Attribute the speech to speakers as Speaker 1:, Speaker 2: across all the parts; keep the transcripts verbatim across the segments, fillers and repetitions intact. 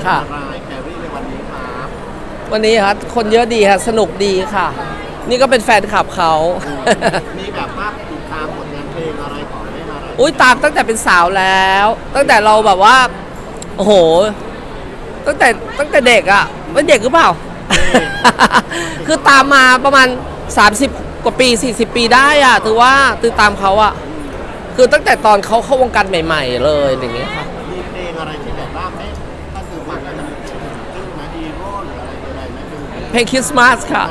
Speaker 1: ค่ะรายแครี่ในวันนี้ครับ
Speaker 2: วันนี้ครับคนเยอะดีค่ะสนุกดีค่ะ นี่ก็เป็นแฟนคลับเขา
Speaker 1: มีแบบว่าติดตามผลงานเพลงอะไรของได้มาอะไร
Speaker 2: อุ้ยตามตั้งแต่เป็นสาวแล้ว ตั้งแต่เราแบบว่าโอ้โหตั้งแต่ตั้งแต่เด็กอ่ะไม่เด็กหรือเปล่า คือตามมาประมาณสามสิบกว่าปีสี่สิบปีได้อ่ะถือว่าตือตามเขาอ่ะคือตั้งแต่ตอนเขาเข้าวงการใหม่ๆเลยอย่างเงี้ยค่ะ
Speaker 1: มีเพลงอะไรที่แบบว่าไม่ถ้าคือฟังแล้วมันจึ้งนะฮีโร่หรืออะไรอะไรไหม
Speaker 2: เพลงคริสต์มาสค่ะ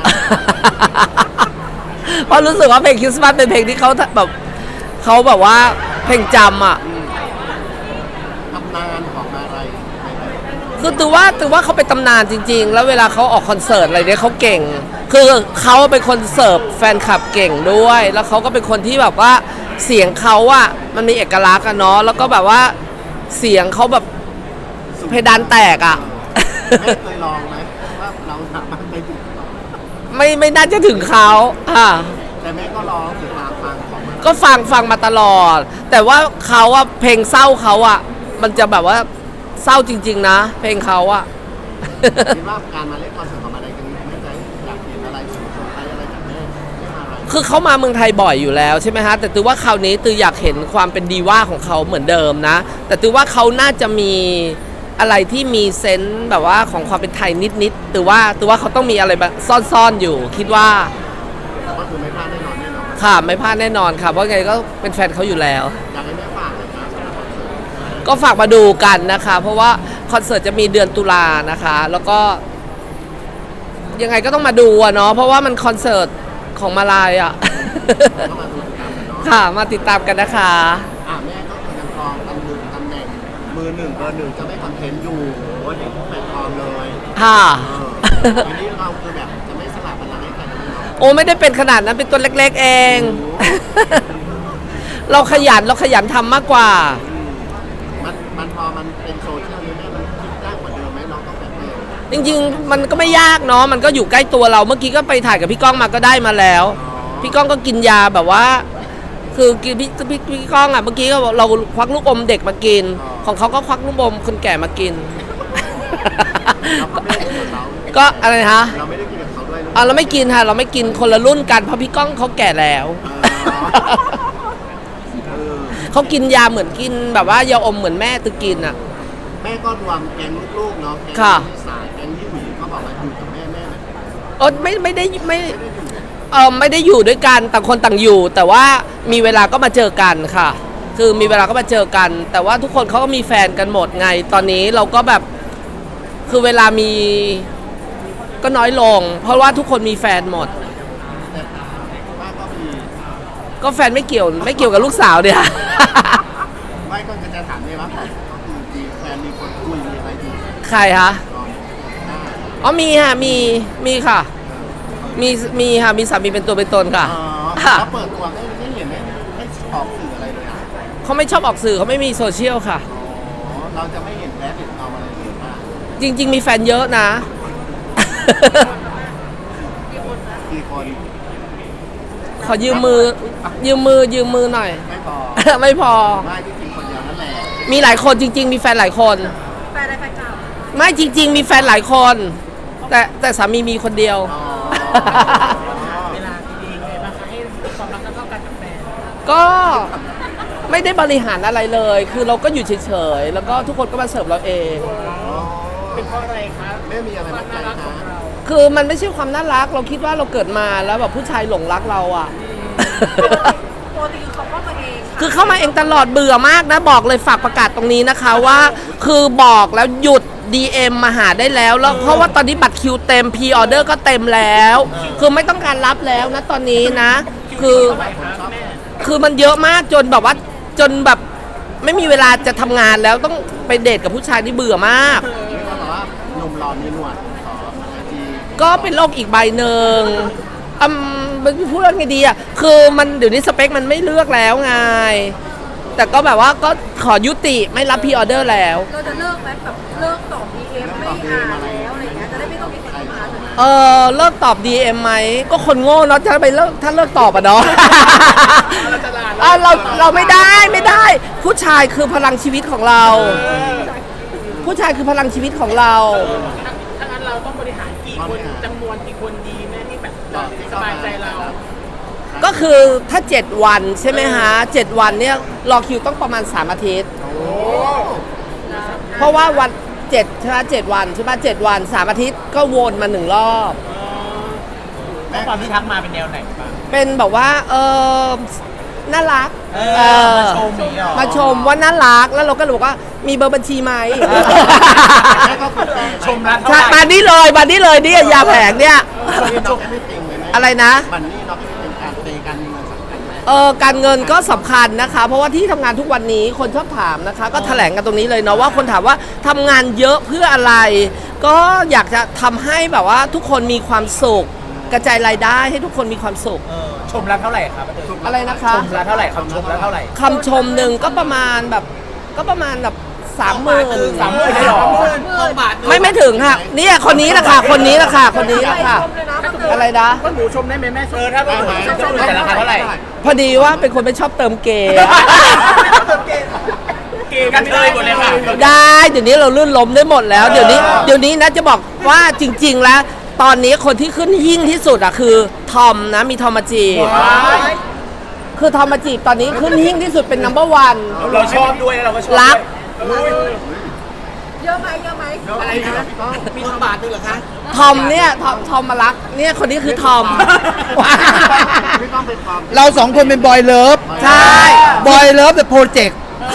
Speaker 2: เพราะรู้สึกว่าเพลงคริสต์มาสเป็นเพลงที่เขาแบบเขาแบบว่าเพลงจำอ่ะ
Speaker 1: ตำนานของอะไร
Speaker 2: คือตือว่าตือว่าเขาเป็นตำนานจริงๆแล้วเวลาเขาออกคอนเสิร์ตอะไรเนี่ยเขาเก่งคือเขาเป็นคนเสิร์ฟแฟนคลับเก่งด้วยแล้วเขาก็เป็นคนที่แบบว่าเสียงเขาอะมันมีเอกลักษณ์อะเนาะแล้วก็แบบว่าเสียงเขาแบบเพดานแตกอะ
Speaker 1: ไม่เคยลองไหมว่าเราสามารถไปถึง
Speaker 2: ไม่ไม่น่าจะถึงเขาค่ะ
Speaker 1: แต่แม่ก็ลองติดตามฟังของมัน
Speaker 2: ก็ฟังฟังมาตลอดแต่ว่าเขาอะเพลงเศร้าเขาอะมันจะแบบว่าเศร้าจริงๆนะเพลงเขาอะ
Speaker 1: คิดว่าการมาเล่นคอนเสิร์ตของอะไรกันแม่ใจอยากเห็นอะไรสุดๆอะไรอะไรจากแม่ไม่มาอะไร
Speaker 2: คือเขามาเมืองไทยบ่อยอยู่แล้วใช่ไหมฮะแต่ตือว่าคราวนี้ตืออยากเห็นความเป็นดีว่าของเขาเหมือนเดิมนะแต่ตือว่าเขาน่าจะมีอะไรที่มีเซนส์แบบว่าของความเป็นไทยนิดๆตือว่าตือว่าเขาต้องมีอะไรแบบซ่อนๆอยู่คิดว่า
Speaker 1: ก็คือไม่พลาดแน่นอนแน่นอน
Speaker 2: ค่ะไม่พลาดแน่นอนค่ะเพราะไงก็เป็นแฟนเขาอยู่แล้ว
Speaker 1: อยากให้แม่ฝากเลยครับ
Speaker 2: ก็ฝากมาดูกันนะคะเพราะว่าคอนเสิร์ตจะมีเดือนตุลานะคะแล้วก็ยังไงก็ต้องมาดูอะเนาะเพราะว่ามันคอนเสิร์ตของมาลายอะค่ะมาติดตามกันนะคะ
Speaker 1: อ่ะแม่ก็คือยังครองตำแหน่งตำแหน่งมือหนึ่งเบอร์หนึ่งจะไม่คอนเทนต์อยู่โอ้ยทุกแพลตฟอร์มเลย
Speaker 2: ค่ะ
Speaker 1: อันนี้เราคือแบบจะไม่สลับบัลลังก์ให้ใครเลยเนาะ
Speaker 2: โอ้ไม่ได้เป็นขนาดนั้นเป็นตัวเล็กๆเองเราขยันเราขยันทำมากกว่า
Speaker 1: มันมันพอมันเป็นโซเชียลนี้แม่มันคิดยากกว่าเดิมไหมน้องต้องแบบเ
Speaker 2: ออจริงๆมันก็ไม่ยากเนาะมันก็อยู่ใกล้ตัวเราเมื่อกี้ก็ไปถ่ายกับพี่ก้องมาก็ได้มาแล้วพี่ก้องก็กินยาแบบว่าคือกินพี่พี่พี่ก้องอ่ะเมื่อกี้ก็เราควักลูกอมเด็กมากินของเขาก็ควักลูกอมคนแก่มากินก็อะไรฮะ
Speaker 1: เราไม่ได้กินกับเขาด้วย
Speaker 2: อ่ะเราไม่กินค่ะเราไม่กินคนละรุ่นกันเพราะพี่ก้องเขาแก่แล้วเขากินยาเหมือนกินแบบว่ายาอมเหมือนแม่ตึกกินอ่ะ
Speaker 1: แม่ก็รวมแก๊งลูกๆเนาะแก๊งที่สายแก๊งที่หวีเขาบอกว่าอยู่กับแม่แม่
Speaker 2: เออไม่ไม่ได้ไม่เออไม่ได้อยู่ด้วยกันต่างคนต่างอยู่ แต่ว่ามีเวลาก็มาเจอกันค่ะคือมีเวลาก็มาเจอกัน แต่ว่าทุกคนเขาก็มีแฟนกันหมดไงตอนนี้เราก็แบบคือเวลามีก็น้อยลงเพราะว่าทุกคนมีแฟนหมดก็แฟนไม่เกี่ยวไม่เกี่ยวกับลูกสาวเนี่ย
Speaker 1: ไม่ก็จะถามเลยว่าก็คือมีแฟนมีคนคุยมีอะไรอยู่
Speaker 2: ใครคะอ๋อมีค่ะมีมีค่ะมีมีค่ะมีสามีเป็นตัวเป็นตนค่ะ
Speaker 1: แล้วเปิดตัวไม่ไม่เห็นไม่ไม่ออกสื่ออะไรเลยอ่ะ
Speaker 2: เขาไม่ชอบออกสื่อเขาไม่มีโซเชียลค่ะ
Speaker 1: เราจะไม่เห็นแบดเห็นเอาอะไรเลยป่ะ
Speaker 2: จริงๆมีแฟนเยอะนะ
Speaker 1: กี่คน
Speaker 2: ขอยืมมือยืมมือยืมมือหน่อย
Speaker 1: ไม่พอ
Speaker 2: ไม่พอ
Speaker 1: ไม่จริงๆคนเดียวนั่นแหละ
Speaker 2: มีหลายคนจริงๆมีแฟนหลายคน
Speaker 3: แฟนอะไรแฟนเก่า
Speaker 2: ไม่จริงๆมีแฟนหลายคนแต่แต่สามีมีคนเดียว
Speaker 3: เวลาดีๆไงบ้างคะให้ความรักเท่ากันกับแฟน
Speaker 2: ก็ไม่ได้บริหารอะไรเลยคือเราก็อยู่เฉยๆแล้วก็ทุกคนก็มาเสิร์ฟเราเอง
Speaker 3: เป็นเพราะอะไรครับ
Speaker 1: ไม่มีอะไร
Speaker 3: น่ารักของเรา
Speaker 2: คือมันไม่ใช่ความน่ารักเราคิดว่าเราเกิดมาแล้วแบบผู้ชายหลงรักเราอ่ะ
Speaker 3: ปกติคือเขาเข้ามาเอง
Speaker 2: คือเข้ามาเองตลอดเบื่อมากนะบอกเลยฝากประกาศตรงนี้นะคะว่าคือบอกแล้วหยุด ดี เอ็ม มาหาได้แล้วแล้วเพราะว่าตอนนี้บัตรคิวเต็มพรีออเดอร์ก็เต็มแล้วคือไม่ต้องการรับแล้วนะตอนนี้นะคือคือมันเยอะมากจนแบบว่าจนแบบไม่มีเวลาจะทำงานแล้วต้องไปเดทกับผู้ชายที่เบื่อมาก
Speaker 1: หนุ่มหล่อมีหนวด
Speaker 2: ก็เป็นโรคอีกใบหนึ่งอืมพูดว่าไงดีอ่ะคือมันเดี๋ยวนี้สเปคมันไม่เลือกแล้วไงแต่ก็แบบว่าก็ขอยุติไม่รับพรีออเดอร์แล้ว
Speaker 3: เราจะเลิกไหมแบบเลิกตอบ ดี เอ็ม ไม่อ่านแล้วอะไรเงี้ยจะได้ไม่ต้องมีคนเข้ามา
Speaker 2: เออเลิกตอบ ดี เอ็ม ไหมก็คนโง่เนาะถ้าไปเลิกถ้าเลิกตอบอ่ะเนาะเราเราไม่ได้ไม่ได้ผู้ชายคือพลังชีวิตของเราผู้ชายคือพลังชีวิตของเรา
Speaker 3: ถ้างั้นเราต้องบริหารกี่คนจำนวนกี่คนดีแม่ที่แบบสบายใจเรา
Speaker 2: ก็คือถ้า เจ็ด วันใช่ไหมฮะเจ็ดวันเนี่ยรอคิวต้องประมาณ สาม อาทิตย์ เพราะว่าวันเจ็ดใช่ไหมเจ็ดวันใช่ไหมเจ็ดวันสามอาทิตย์ก็วนมาหนึ่งรอบ
Speaker 3: ข้อความที่ทักมาเป็นแนวไหนบ้าง
Speaker 2: เป็นแบบว่าเออน่ารัก
Speaker 3: เอ
Speaker 2: เอ
Speaker 3: อ
Speaker 2: อ
Speaker 3: มาชมอย่างเงี้ยเหรอ
Speaker 2: มาชมว่าน่ารักแล้วเราก็เลยบอกว่ามีเบอร์บัญชีไหม
Speaker 1: แม่ก็คือแฟน
Speaker 3: ชมแล้วเท่า
Speaker 2: ใช่
Speaker 3: ไหร่
Speaker 2: มานี่เลยมานี่เลยเนี่ยยาแผงเนี่ย
Speaker 1: นี่น้องไม่ติงเลยแม่
Speaker 2: อะไรนะ
Speaker 1: บันนี่น้องไม่เป็นการเตะการมีเงินสำคัญไหม
Speaker 2: เออการเงินก็สำคัญนะคะ เพราะว่าที่ทำงานทุกวันนี้คนชอบถามนะคะ ก็แถลงกันตรงนี้เลยเนาะว่าคนถามว่าทำงานเยอะเพื่ออะไร ก็อยากจะทำให้แบบว่าทุกคนมีความสุข กระจายรายได้ให้ทุกคนมีความสุข
Speaker 3: เออชมแล้วเท่าไหร่ครับ
Speaker 2: อะไรนะคะ
Speaker 3: ชมแล้วเท่าไหร่คำชมแล้วเท่าไหร่
Speaker 2: คำชมหนึ่งก็ประมาณแบบก็ประมาณแบบสามหมื่น
Speaker 3: สามหมื่นเลยเหรอสองบาท
Speaker 2: ไม่ไม่ถึงค่ะเนี่ยคนนี้แหละค่ะคนนี้แหละค่ะคนนี้แหละค่ะอะไรนะ
Speaker 3: ก็หนูชมได้ไหมแม่เออถ้าหนูชมชมแต่ราคาเท่าไหร่
Speaker 2: พอดีว่าเป็นคนไม่ชอบเติมเกย์
Speaker 3: เกมกันเลยหมดเลยค่ะ
Speaker 2: ได้เดี๋ยวนี้เราลื่นล้มได้หมดแล้ว เดี๋ยวนี้เดี๋ยวนี้นะจะบอกว่าจริง ๆ แล้ว ตอนนี้คนที่ขึ้นหิ่งที่สุดอะคือทอมนะมีทอมมาจีบคือทอมมาจีบตอนนี้ขึ้นหิ่งที่สุดเป็นนัมเบอร์วัน
Speaker 3: เราชอบด้วยแล้วเราก็ชอบ
Speaker 2: รัก
Speaker 1: อะไรนะพี่ก้อง
Speaker 3: มีสองบาทด้วยเหรอคะ
Speaker 2: ทอมเนี่ยทอมทอมมารักเนี่ยคนนี้คือทอม
Speaker 1: พี่ก้องเป็นความ
Speaker 4: เราสองคนเป็นบอยเลิฟ
Speaker 2: ใช่
Speaker 4: บอยเลิฟเดอะโปรเจกต์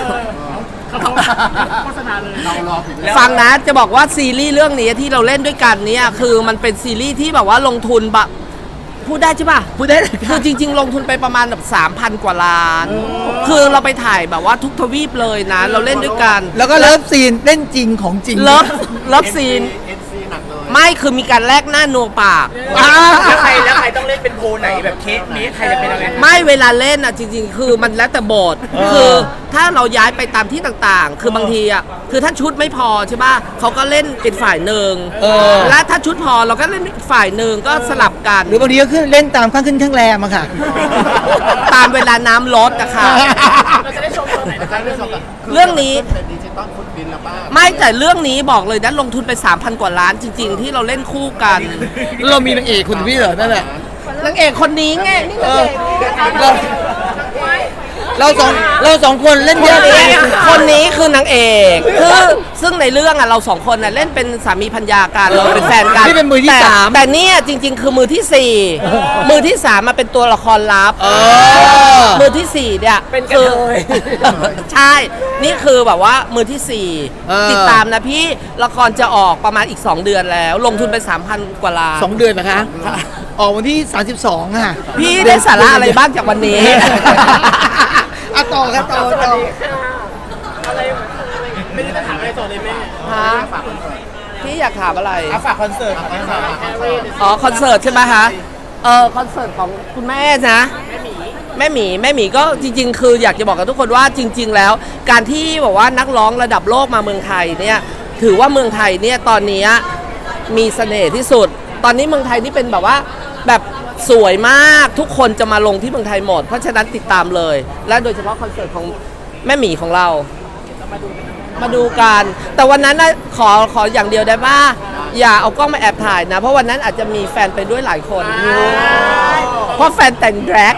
Speaker 3: โฆษณาเลย
Speaker 1: เรารอถึง
Speaker 2: ฟังนะจะบอกว่าซีรีส์เรื่องนี้ที่เราเล่นด้วยกันเนี่ยคือมันเป็นซีรีส์ที่แบบว่าลงทุนแบบพูดได้ใช่ป่ะ
Speaker 4: พูดได้เลย
Speaker 2: คือจริง ๆ ลงทุนไปประมาณแบบสามพันกว่าล้าน คือเราไปถ่ายแบบว่าทุกทวีปเลยนะ เราเล่นด้วยกัน
Speaker 4: แล้วก็เลิฟซีนเล่นจริงของจริง
Speaker 2: เลิฟเลิฟซีน
Speaker 1: เอ็นซีหนักเลย
Speaker 2: ไม่คือมีการแลกหน้านัวปาก
Speaker 3: แล้วใครแล้วใครต้องเล่นเป็นโพลไหนแบบเคสนี้ใครจะเป็นอะไร
Speaker 2: ไม่เวลาเล่นอ่ะจริง ๆ คือมันแล้วแต่บทคือถ้าเราย้ายไปตามที่ต่างๆ คือบางทีอ่ะคือถ้าชุดไม่พอใช่ป่ะเขาก็เล่นเป็นฝ่ายหนึ่ง
Speaker 4: เออ
Speaker 2: และถ้าชุดพอเราก็เล่นอีกฝ่ายหนึ่งก็สลับกัน
Speaker 4: หรือบางทีก็ขึ้นเล่นตามข้างขึ้นข้างแรมอะค่ะ
Speaker 2: ตามเวลาน้ำลดนะคะ
Speaker 3: เราจะได้ชมตอนไหนนะคะเรื่องนี้
Speaker 2: เรื่องนี้
Speaker 1: เป็นดิจิตอลฟุตบินแล้วป้า
Speaker 2: ไม่แต่เรื่องนี้บอกเลยนะลงทุนไป สามพัน กว่าล้านจริง ๆ ที่เราเล่นคู่กัน
Speaker 4: เรามีนางเอกคุณพี่เหรอนั่นแหละ
Speaker 2: นางเอกคนนี้ไงนี่
Speaker 4: เอ
Speaker 2: นาง
Speaker 4: อ
Speaker 2: เอก
Speaker 4: เราเราสองเราสองคนเล่น
Speaker 2: ค
Speaker 4: เย
Speaker 2: น
Speaker 4: อะเล
Speaker 2: นี้
Speaker 4: ย
Speaker 2: คนนี้คือนางเอกคือซึ่งในเรื่องอ่ะเราสองคนน่ะเล่นเป็นสามีภรรยากันเราเป็นแฟนกัน
Speaker 4: นี่เป็นมือที่
Speaker 2: แต่
Speaker 4: สาม
Speaker 2: แต่เนี่ยจริง ๆ คือมือที่สี่มือที่สามมาเป็นตัวละครลับ
Speaker 4: เออ
Speaker 2: มือที่สี่เนี่ย
Speaker 3: เป็นกระ
Speaker 2: คือ
Speaker 3: เทย
Speaker 2: ใช่ นี่คือแบบว่ามือที่สี่
Speaker 4: เออ
Speaker 2: ติดตามนะพี่ละครจะออกประมาณอีก สอง เดือนแล้ว ลงทุนไป สามพัน กว่าล้าน
Speaker 4: สองเดือนนะคะ ออกวันที่สามสิบสองค่ะ
Speaker 2: พี่ได้สาระอะไรบ้างจากวันนี้
Speaker 4: อะต่อครับต่อต่อ
Speaker 3: อะไรไม่ได้จะถามอะไรต่อเลยแม่
Speaker 2: ฮะพี่อยากถามอะไร
Speaker 3: เอาฝากคอนเสิร์ตของแม่สาวแฮร์รี่
Speaker 2: อ๋อคอนเสิร์ตใช่ไหมคะ เออคอนเสิร์ตของคุณแม่นะ แม่หมีแม่หมีก็จริง ๆ คืออยากจะบอกกับทุกคนว่าจริง ๆ แล้ว การที่บอกว่านักร้องระดับโลกมาเมืองไทยเนี่ยถือว่าเมืองไทยเนี่ยตอนนี้มีเสน่ห์ที่สุด ตอนนี้เมืองไทยนี่เป็นแบบว่าแบบสวยมากทุกคนจะมาลงที่เมืองไทยหมด เพราะฉะนั้นติดตามเลย และโดยเฉพาะคอนเสิร์ตของแม่หมีของเรา มาดูกัน แต่วันนั้นนะขอขออย่างเดียวได้ป่ะอย่าเอากล้องมาแอบถ่ายนะ เพราะวันนั้นอาจจะมีแฟนไปด้วยหลายคน เพราะแฟนแต่งแดรก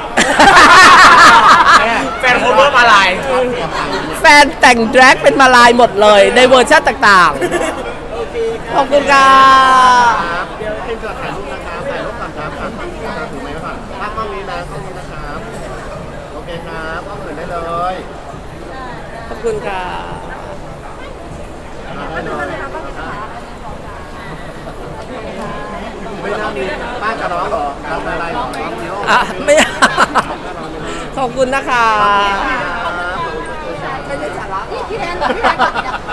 Speaker 3: แฟนโคเวอร์มาลาย
Speaker 2: แฟนแต่งแดรกเป็นมาลายหมดเลย ในเวอร์ชันต่างๆ ขอบคุณค่ะ
Speaker 1: ครับเดี๋ยวเป็นเกิดถ่ายรูปนะครับถ่ายรูปก่อนครับครับถือไม้ไว้ก่อนตั้งกล้องนี้นะกล้องนี้นะครับโอเคครับกล้องอื่นได้เลย
Speaker 2: ขอบคุณค่ะ
Speaker 1: ได้เลยไม่น่ามีป้ากับน้องเหรอทำอะไรน้องนิ้ว
Speaker 2: อ่ะไม่ ขอบคุณนะคะ
Speaker 1: ครับ
Speaker 2: ไม่ใช่สาระ
Speaker 5: พี่แดนพี่แดน